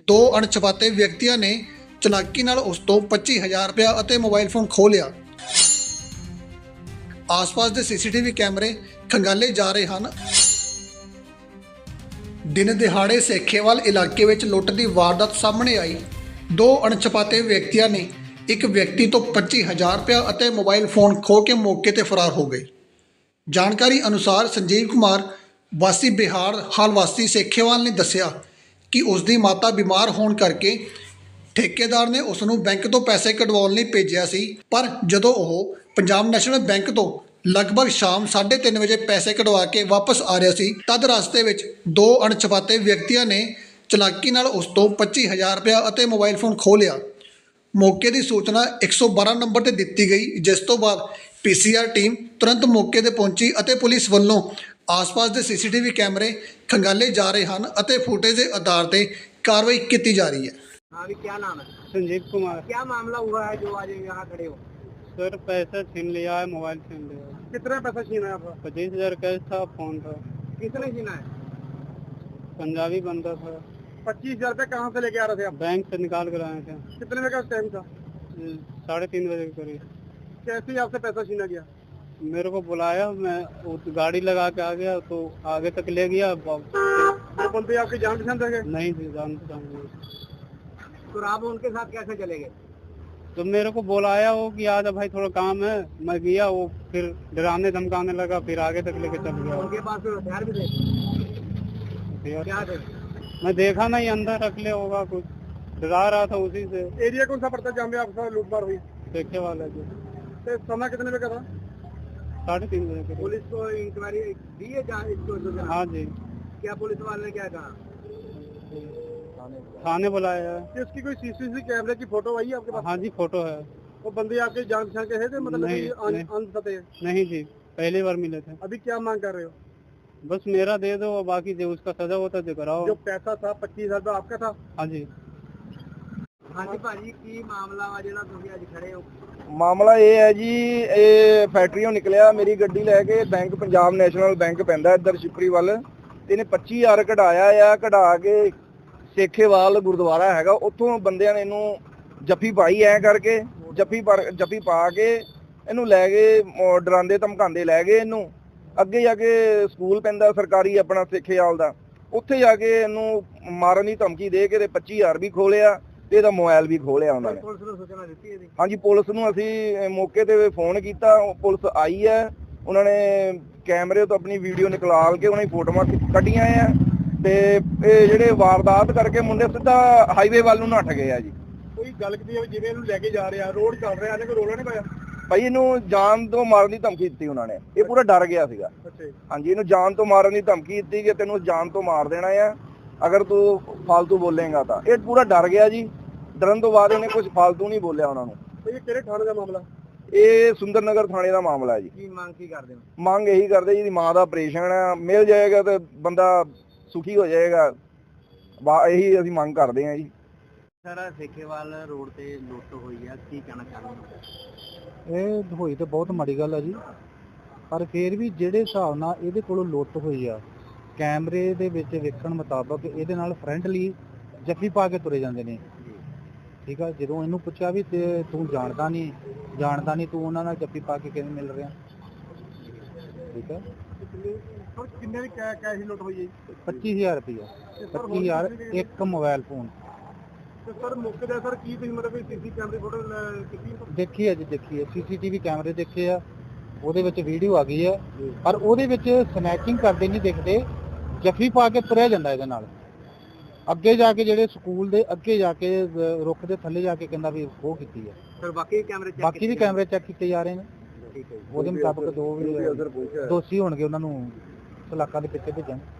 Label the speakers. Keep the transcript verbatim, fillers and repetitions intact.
Speaker 1: ਦੋ ਅਣਛਾਤੇ ਵਿਅਕਤੀਆਂ ਨੇ ਚਲਾਕੀ ਨਾਲ ਉਸ ਤੋਂ ਪੱਚੀ ਹਜ਼ਾਰ ਰੁਪਇਆ ਅਤੇ ਮੋਬਾਈਲ ਫੋਨ ਖੋਹ ਲਿਆ। ਆਸ-ਪਾਸ ਦੇ ਸੀਸੀਟੀਵੀ ਕੈਮਰੇ ਖੰਗਾਲੇ ਜਾ ਰਹੇ ਹਨ। ਦਿਨ ਦਿਹਾੜੇ ਸੇਖੇਵਾਲ ਇਲਾਕੇ ਵਿੱਚ ਲੁੱਟ ਦੀ ਵਾਰਦਾਤ ਸਾਹਮਣੇ ਆਈ। ਦੋ ਅਣਛਾਤੇ ਵਿਅਕਤੀਆਂ ਨੇ ਇੱਕ ਵਿਅਕਤੀ ਤੋਂ ਪੱਚੀ ਹਜ਼ਾਰ ਰੁਪਇਆ ਅਤੇ ਮੋਬਾਈਲ ਫੋਨ ਖੋਹ ਕੇ ਮੌਕੇ ਤੇ ਫਰਾਰ ਹੋ ਗਏ। ਜਾਣਕਾਰੀ ਅਨੁਸਾਰ ਸੰਜੀਵ ਕੁਮਾਰ ਵਾਸੀ ਬਿਹਾਰ ਹਾਲ ਵਾਸੀ ਸੇਖੇਵਾਲ ਨੇ ਦੱਸਿਆ ਕਿ ਉਸ ਦੀ ਮਾਤਾ ਬਿਮਾਰ ਹੋਣ ਕਰਕੇ ਠੇਕੇਦਾਰ ਨੇ ਉਸ ਨੂੰ ਬੈਂਕ ਤੋਂ ਪੈਸੇ ਕਢਵਾਉਣ ਲਈ ਭੇਜਿਆ ਸੀ, ਪਰ ਜਦੋਂ ਉਹ ਪੰਜਾਬ ਨੈਸ਼ਨਲ ਬੈਂਕ ਤੋਂ ਲਗਭਗ ਸ਼ਾਮ ਸਾਢੇ ਤਿੰਨ ਵਜੇ ਪੈਸੇ ਕਢਵਾ ਕੇ ਵਾਪਸ ਆ ਰਿਹਾ ਸੀ, ਤਦ ਰਸਤੇ ਵਿੱਚ ਦੋ ਅਣਛਾਤੇ ਵਿਅਕਤੀਆਂ ਨੇ ਚਲਾਕੀ ਨਾਲ ਉਸ ਤੋਂ ਪੱਚੀ ਹਜ਼ਾਰ ਰੁਪਇਆ ਅਤੇ ਮੋਬਾਈਲ ਫੋਨ ਖੋਹ ਲਿਆ। ਮੌਕੇ ਦੀ ਸੂਚਨਾ ਇੱਕ ਸੌ ਬਾਰਾਂ ਨੰਬਰ ਤੇ ਦਿੱਤੀ ਗਈ, ਜਿਸ ਤੋਂ ਬਾਅਦ ਪੀ ਸੀ ਆਰ ਟੀਮ ਤੁਰੰਤ ਮੌਕੇ ਤੇ ਪਹੁੰਚੀ ਅਤੇ ਪੁਲਿਸ ਵੱਲੋਂ ਆਸ-ਪਾਸ ਦੇ ਸੀਸੀਟੀਵੀ ਕੈਮਰੇ ਖੰਗਾਲੇ ਜਾ ਰਹੇ ਹਨ ਅਤੇ ਫੁਟੇਜ ਦੇ ਆਧਾਰ ਤੇ कार्रवाई की जा रही है।
Speaker 2: अभी क्या नाम है?
Speaker 3: संजीव कुमार।
Speaker 2: क्या मामला हुआ है जो आज यहाँ खड़े हो?
Speaker 3: सर पैसा छीन लिया है, मोबाइल छीन लिया है।
Speaker 2: कितना पैसा छीना है आपका?
Speaker 3: पच्चीस हजार कैश था, फोन था।
Speaker 2: किसने छीना है?
Speaker 3: पंजाबी बंदा था।
Speaker 2: पच्चीस हजार रूपए कहाँ से लेके आ रहे थे आप?
Speaker 3: बैंक से निकाल कर आए थे।
Speaker 2: कितने बजे का टाइम था?
Speaker 3: साढ़े तीन बजे के करीब।
Speaker 2: कैसे ही आपसे पैसा छीना गया?
Speaker 3: मेरे को बुलाया, मैं गाड़ी लगा के आ गया तो आगे तक ले गया।
Speaker 2: वो बंदे आपकी जान पहचान थे?
Speaker 3: नहीं थी जान पहचान।
Speaker 2: तो आप उनके साथ कैसे चले गए?
Speaker 3: तो मेरे को बुलाया वो कि आजा भाई थोड़ा काम है, मैं गया, वो फिर डराने धमकाने लगा, फिर आगे तक लेके चल गया।
Speaker 2: उनके पास फिर हथियार भी थे? क्या थे?
Speaker 3: मैं देखा नहीं, अंदर रख ले होगा कुछ, डरा रहा था उसी से।
Speaker 2: एरिया कौन सा पड़ता है जहाँ पे आपका लूटमार हुई?
Speaker 3: देखे वाला जी।
Speaker 2: तो समय कितने बजे का था?
Speaker 3: साढ़े तीन बजे के।
Speaker 2: पुलिस को इंक्वायरी दी है जहाँ इसको?
Speaker 3: हाँ जी।
Speaker 2: क्या पुलिस वाले ने क्या कहा?
Speaker 3: थाने बुलाया है।
Speaker 2: इसकी कोई सीसीटीवी कैमरे की फोटो आई है आपके पास?
Speaker 3: हाँ जी फोटो है।
Speaker 2: वो बंदे आपके जान पहचान के है थे? मतलब
Speaker 3: नहीं,
Speaker 2: कि
Speaker 3: नहीं।
Speaker 2: अनपते हैं?
Speaker 3: नहीं जी, पहली बार मिले थे।
Speaker 2: अभी क्या मांग कर रहे हो?
Speaker 3: बस मेरा दे दो, बाकी जो उसका सजा होता है कराओ।
Speaker 2: जो पैसा था पच्चीस हजार रुपया आपका था?
Speaker 3: हाँ जी।
Speaker 2: हाँ जी भाजी की मामला वा जेड़ा तुसी अज खड़े हो?
Speaker 4: ਮਾਮਲਾ ਇਹ ਹੈ ਜੀ, ਇਹ ਫੈਕਟਰੀਓਂ ਨਿਕਲਿਆ, ਮੇਰੀ ਗੱਡੀ ਲੈ ਕੇ ਬੈਂਕ ਪੰਜਾਬ ਨੈਸ਼ਨਲ ਬੈਂਕ ਪੈਂਦਾ ਇੱਧਰ ਸ਼ਿਪਰੀ ਵੱਲ, ਤੇ ਇਹਨੇ ਪੱਚੀ ਹਜ਼ਾਰ ਕਢਾਇਆ ਆ। ਕਢਾ ਕੇ ਸੇਖੇਵਾਲ ਗੁਰਦੁਆਰਾ ਹੈਗਾ, ਉੱਥੋਂ ਬੰਦਿਆਂ ਨੇ ਇਹਨੂੰ ਜੱਫੀ ਪਾਈ ਐ ਕਰਕੇ, ਜੱਫੀ ਜੱਫੀ ਪਾ ਕੇ ਇਹਨੂੰ ਲੈ ਗਏ, ਡਰਾਉਂਦੇ ਧਮਕਾਉਂਦੇ ਲੈ ਗਏ ਇਹਨੂੰ। ਅੱਗੇ ਜਾ ਕੇ ਸਕੂਲ ਪੈਂਦਾ ਸਰਕਾਰੀ ਆਪਣਾ ਸੇਖੇਵਾਲ ਦਾ, ਉੱਥੇ ਜਾ ਕੇ ਇਹਨੂੰ ਮਾਰਨ ਦੀ ਧਮਕੀ ਦੇ ਕੇ ਤੇ ਪੱਚੀ ਹਜ਼ਾਰ ਵੀ ਖੋਲਿਆ ਤੇ ਇਹਦਾ ਮੋਬਾਈਲ ਵੀ ਖੋਲਿਆ ਉਹਨਾਂ ਨੇ।
Speaker 2: ਪੁਲਿਸ ਨੂੰ ਸੂਚਨਾ ਦਿੱਤੀ ਇਹਦੀ?
Speaker 4: ਹਾਂਜੀ, ਪੁਲਿਸ ਨੂੰ ਅਸੀਂ ਮੌਕੇ ਤੇ ਫੋਨ ਕੀਤਾ, ਪੁਲਿਸ ਆਈ ਹੈ, ਉਹਨਾਂ ਨੇ ਕੈਮਰੇ ਤੋਂ ਆਪਣੀ ਵੀਡੀਓ ਨਿਕਾਲ ਕੇ ਉਹਨਾਂ ਦੀ ਫੋਟੋਆਂ ਕੱਢੀਆਂ ਆ, ਤੇ ਇਹ ਜਿਹੜੇ ਵਾਰਦਾਤ ਕਰਕੇ ਮੁੰਡੇ ਸਿੱਧਾ ਹਾਈਵੇ ਵੱਲ ਨੂੰ ਨੱਠ ਗਏ ਆ ਜੀ।
Speaker 2: ਕੋਈ ਗੱਲ ਕੀਤੀ ਜਿਵੇਂ ਇਹਨੂੰ ਲੈ ਕੇ ਜਾ ਰਿਹਾ, ਰੋਡ ਚੱਲ ਰਿਹਾ, ਇਹਨੇ ਕੋਈ ਰੋਲਾ ਨਹੀਂ ਪਾਇਆ?
Speaker 4: ਭਾਈ ਇਹਨੂੰ ਜਾਨ ਤੋਂ ਮਾਰਨ ਦੀ ਧਮਕੀ ਦਿੱਤੀ ਉਹਨਾਂ ਨੇ, ਇਹ ਪੂਰਾ ਡਰ ਗਿਆ ਸੀਗਾ। ਹਾਂਜੀ, ਇਹਨੂੰ ਜਾਨ ਤੋਂ ਮਾਰਨ ਦੀ ਧਮਕੀ ਦਿੱਤੀ ਕਿ ਤੈਨੂੰ ਜਾਨ ਤੋਂ ਮਾਰ ਦੇਣਾ ਆ ਅਗਰ ਤੂੰ ਫਾਲਤੂ ਬੋਲੇਗਾ ਤਾਂ। ਇਹ ਪੂਰਾ ਡਰ ਗਿਆ ਜੀ, ਡਰਨ ਤੋਂ ਬਾਅਦ ਇਹਨੇ ਕੁਝ ਫਾਲਤੂ ਨਹੀਂ ਬੋਲਿਆ ਉਹਨਾਂ ਨੂੰ।
Speaker 2: ਇਹ ਕਿਹੜੇ ਥਾਣੇ ਦਾ ਮਾਮਲਾ?
Speaker 4: ਇਹ ਸੁੰਦਰ ਨਗਰ ਥਾਣੇ ਦਾ ਮਾਮਲਾ ਹੈ ਜੀ।
Speaker 2: ਕੀ ਮੰਗ ਕੀ ਕਰਦੇ ਹੋ?
Speaker 4: ਮੰਗ ਇਹੀ ਕਰਦੇ ਜੀ, ਮਾਂ ਦਾ ਆਪਰੇਸ਼ਨ ਆ, ਮਿਲ ਜਾਏਗਾ ਤੇ ਬੰਦਾ ਸੁਖੀ ਹੋ ਜਾਏਗਾ, ਇਹੀ ਅਸੀਂ ਮੰਗ ਕਰਦੇ ਹਾਂ ਜੀ।
Speaker 2: ਸਰ ਸੇਖੇਵਾਲ ਰੋਡ ਤੇ ਲੁੱਟ ਹੋਈ ਆ, ਕੀ ਕਹਿਣਾ ਚਾਹੁੰਦੇ?
Speaker 5: ਇਹ ਹੋਈ ਤਾਂ ਬਹੁਤ ਮਾੜੀ ਗੱਲ ਆ ਜੀ, ਪਰ ਫਿਰ ਵੀ ਜਿਹੜੇ ਹਿਸਾਬ ਨਾਲ ਇਹਦੇ ਕੋਲੋਂ ਲੁੱਟ ਹੋਈ ਆ, ਕੈਮਰੇ ਦੇ ਵਿੱਚ ਵੇਖਣ ਮੁਤਾਬਕ ਇਹਦੇ ਨਾਲ ਫਰੈਂਡਲੀ ਜੱਫੀ ਪਾ ਕੇ ਤੁਰੇ ਜਾਂਦੇ ਨੇ। ਠੀਕ ਆ, ਜਦੋਂ ਇਹਨੂੰ ਪੁੱਛਿਆ ਵੀ ਤੇ ਤੂੰ ਜਾਣਦਾ ਨਹੀਂ ਜਾਣਦਾ ਨਹੀਂ ਤੂੰ ਉਹਨਾਂ ਨਾਲ ਜੱਫੀ ਪਾ ਕੇ ਕਿਵੇਂ ਮਿਲ ਰਿਹਾ? ਠੀਕ ਆ,
Speaker 2: ਕਿੰਨੇ ਦੀ ਕੈਸ਼ ਲੁੱਟ ਹੋਈ ਹੈ?
Speaker 5: ਪੱਚੀ ਹਜ਼ਾਰ ਰੁਪਇਆ, ਪੱਚੀ ਹਜ਼ਾਰ ਇੱਕ ਮੋਬਾਈਲ ਫੋਨ।
Speaker 2: ਤੇ ਸਰ ਮੌਕੇ ਦਾ ਸਰ ਕੀ ਤੁਸੀਂ ਮਤਲਬ ਸੀਸੀ ਕੈਮਰੇ ਫੋਟੋ ਕੀਤੀ?
Speaker 5: ਦੇਖੀ ਹੈ ਜੀ, ਦੇਖੀ ਹੈ, ਸੀਸੀਟੀਵੀ ਕੈਮਰੇ ਦੇਖੇ ਆ, ਉਹਦੇ ਵਿੱਚ ਵੀਡੀਓ ਆ ਗਈ ਆ, ਪਰ ਉਹਦੇ ਵਿੱਚ ਸਨੈਚਿੰਗ ਕਰਦੇ ਨਹੀਂ ਦਿਖਦੇ, ਜੱਫੀ ਪਾ ਕੇ ਤੁਰਿਆ ਜਾਂਦਾ ਇਹਦੇ ਨਾਲ। ਅੱਗੇ ਜਾ ਕੇ ਜਿਹੜੇ ਸਕੂਲ ਦੇ ਅੱਗੇ ਜਾ ਕੇ ਰੁੱਖ ਦੇ ਥੱਲੇ ਜਾ ਕੇ ਕਹਿੰਦਾ ਵੀ ਖੋਹ ਕੀਤੀ ਹੈ।
Speaker 2: ਸਰ ਬਾਕੀ ਕੈਮਰੇ ਚੈੱਕ
Speaker 5: ਬਾਕੀ ਵੀ ਕੈਮਰੇ ਚੈੱਕ ਕੀਤੇ ਜਾ ਰਹੇ ਨੇ,
Speaker 2: ਠੀਕ ਹੈ ਜੀ।
Speaker 5: ਉਹਦੇ ਮੁਤਾਬਕ ਦੋ ਵੀ ਦੋਸ਼ੀ ਹੋਣਗੇ, ਉਹਨਾਂ ਨੂੰ ਸਲਾਖਾਂ ਦੇ ਪਿੱਛੇ ਭੇਜਾਂਗੇ।